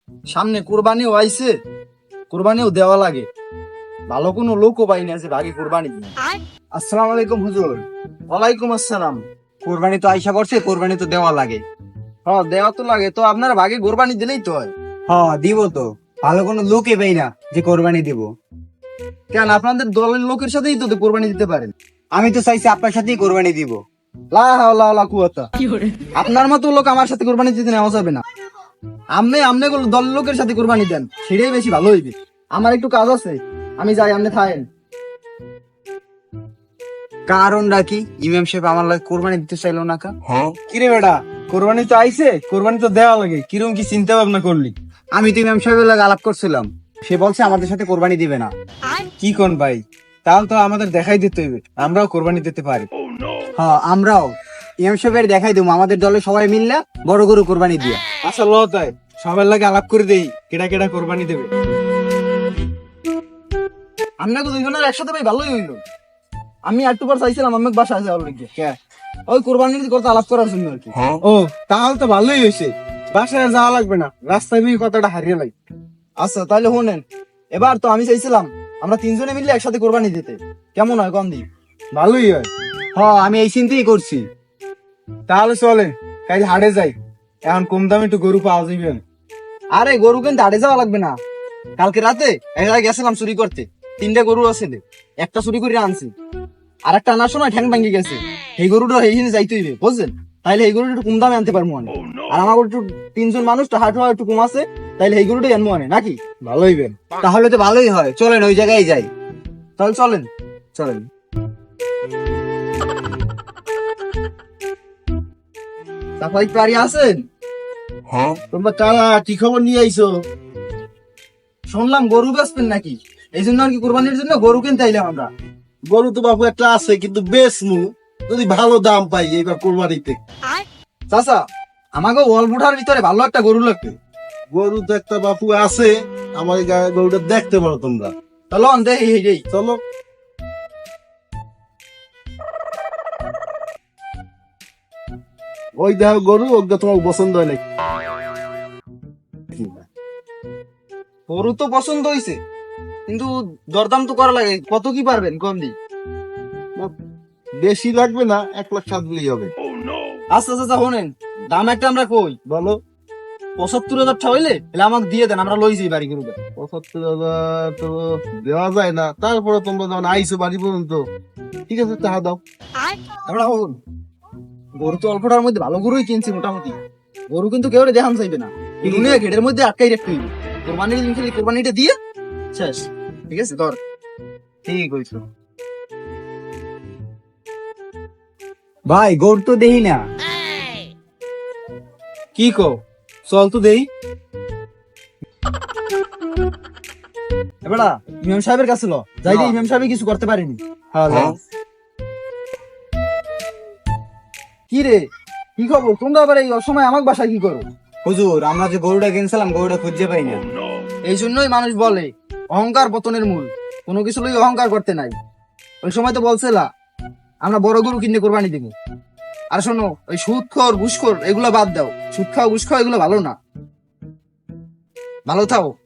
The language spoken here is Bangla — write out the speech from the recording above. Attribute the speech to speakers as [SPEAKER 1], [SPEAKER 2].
[SPEAKER 1] সামনে কোরবানিও আইছে, কোরবানিও দেওয়া লাগে, ভালো কোনো লোকও পাই না যে ভাগে কোরবানি দিই।
[SPEAKER 2] আসসালামু আলাইকুম হুজুর।
[SPEAKER 1] ওয়ালাইকুম আসসালাম।
[SPEAKER 2] কোরবানি তো আইসা করছে, কোরবানি তো দেওয়া লাগে।
[SPEAKER 1] হ্যাঁ দেওয়া তো লাগে, তো আপনারা ভাগে কোরবানি দিলেই তো হয়।
[SPEAKER 2] হ্যাঁ দিব তো, ভালো কোনো লোকে পাই না যে কোরবানি দিব।
[SPEAKER 1] কেন আপনাদের দলের লোকের সাথেই তো কোরবানি দিতে পারেন।
[SPEAKER 2] আমি তো চাইছি আপনার সাথেই কোরবানি দিব।
[SPEAKER 1] লা হাওলা ওয়ালা কুওয়াতা। আপনার মতো লোক আমার সাথে কোরবানি দিতে নেওয়া যাবে না। আমনে দলের লোকের সাথে কোরবানি দেন, সেটাই বেশি ভালো হইবে। আমার একটু কাজ আছে, আমি যাই, আপনি থাকেন।
[SPEAKER 2] কারণটা কি? ইমাম সাহেব আমার লাগে কোরবানি দিতে চাইলো না কা?
[SPEAKER 1] কিরে বেটা, কোরবানি তো আইছে, কোরবানি তো দেওয়া লাগে, কিরকম কি চিন্তা ভাবনা করলি?
[SPEAKER 2] আমি তো ইমাম সাহেবের লাগে আলাপ করছিলাম, সে বলছে আমাদের সাথে কোরবানি দিবে না।
[SPEAKER 1] কি কোন ভাই, তাহলে তো আমাদের দেখাই দিতে হইবে, আমরাও কোরবানি দিতে পারি।
[SPEAKER 2] হ্যাঁ আমরাও ইমাম সাহেবের দেখাই দেবো, আমাদের দলে সবাই মিললে বড় গরু কোরবানি দিয়া।
[SPEAKER 1] আচ্ছা ল তাই সবার লাগে আলাপ করে দেই, কেডা কেডা কোরবানি দেবে। আমরা তো দুইজনের একসাথে ভাই ভালোই হইলো। আমি একটু পর চাইছিলাম আমি বাসায় যাওয়ার লিগে, ওই কোরবানির কথা আলাপ করার জন্য আর কি। ও তাহলে তো ভালোই হয়েছে, বাসায় যাওয়া লাগবে না, রাস্তায় আমি কথাটা হারিয়ে লাই। আচ্ছা তাহলে শুনেন, এবার তো আমি চাইছিলাম আমরা তিনজনে মিলে একসাথে কোরবানি দিতে, কেমন হয় কম দি? ভালোই হয়।
[SPEAKER 2] হ্যাঁ আমি এই চিন্তাই করছি।
[SPEAKER 1] তাহলে চলে কাল হাটে যাই, এখন কম দামে একটু গরু পাওয়া যাবে। আরে গরু কিন্তু হাটে যাওয়া লাগবে না, কালকে রাতে এক জায়গায় গেছিলাম চুরি করতে, 3টা গরু আছে, একটা চুরি করে আনছি, আর একটা আনার সময় ঠ্যাং ভাঙ্গি গেছে। এই গরুটা এইখানে যাইতে হইবে বুঝছেন, তাইলে এই গরুটা একটু কম দামে আনতে পারবো আমি। আর আমার একটু 3জন মানুষ হাট হওয়া একটু কম আছে, তাইলে এই গরুটাই আনবো আনে নাকি, ভালো হইবে।
[SPEAKER 2] তাহলে তো ভালোই হয়, চলেন ওই জায়গায় যাই।
[SPEAKER 1] তাহলে চলেন চলেন। সাফাই পারি আছেন?
[SPEAKER 3] তোমরা কারা কি খবর নিয়ে আইছো?
[SPEAKER 1] শুনলাম গরু বেচবেন নাকি, এই জন্য আর কি কোরবানির জন্য গরু কিনতে আইলাম আমরা।
[SPEAKER 3] গরু তো বাবু একটা আছে, কিন্তু বেশ যদি ভালো দাম পাই এইবার কোরবানিতে।
[SPEAKER 1] চাচা আমাকে ওয়ালপুঠার ভিতরে ভালো একটা গরু লাগবে।
[SPEAKER 3] গরু তো একটা বাপু আছে, আমার এই গরুটা দেখতে পারো তোমরা।
[SPEAKER 1] চলো দেখি এই
[SPEAKER 3] চলো। ওই দেখো গরু, ওটা তোমার পছন্দ হয় নাকি?
[SPEAKER 1] গরু তো পছন্দ হয়েছে, কিন্তু দরদাম তো করা লাগে, কত কি পারবেন কম দি?
[SPEAKER 3] বেশি লাগবে না, 1,07,000 দিলেই হবে।
[SPEAKER 1] আচ্ছা চাচা শোনেন, দাম একটা আমরা কই
[SPEAKER 3] বলো।
[SPEAKER 1] 75,000 হইলে তাহলে আমাকে দিয়ে দেন, আমরা লই যাই বাড়ি গরুটা।
[SPEAKER 3] 75,000 তো দেওয়া যায় না, তারপরে তোমরা যখন আইসো বাড়ি পর্যন্ত, ঠিক আছে টাকা দাও।
[SPEAKER 1] আমরা শুন, গরু তো অল্পটার মধ্যে ভালো গরুই কিনছি মোটামুটি, গরু কিন্তু কেউ দেখান চাইবে না, এগুলো ঘেরের মধ্যে আটকাই রাখতে হইবে, কোরবানির দিন খালি কোরবানিটা দিয়ে শেষ। ঠিক আছে ধর, ঠিক হয়েছে।
[SPEAKER 2] ভাই গরু তো দেখি না।
[SPEAKER 1] কি কো, চল তো দেই। এবারা ইমাম সাহেবের কাছে ল যাই, ইমাম সাহেব কিছু করতে পারেনি। কি রে, কি খবর? তোমরা আবার এই অসময় আমার বাসায় কি করো?
[SPEAKER 2] হুজুর আমরা যে গরুটা কিনছিলাম, গরুটা খুঁজে পাই না।
[SPEAKER 1] এই জন্যই মানুষ বলে অহংকার পতনের মূল, কোনো কিছু লই অহংকার করতে নাই। ওই সময় তো বলছিলা আমরা বড় গরু কিনে কোরবানি দিব। আর শোনো, ওই সুদখোর ঘুষখোর এগুলো বাদ দাও, সুদ খাও ঘুষ খাও এগুলো ভালো না, ভালো থাও।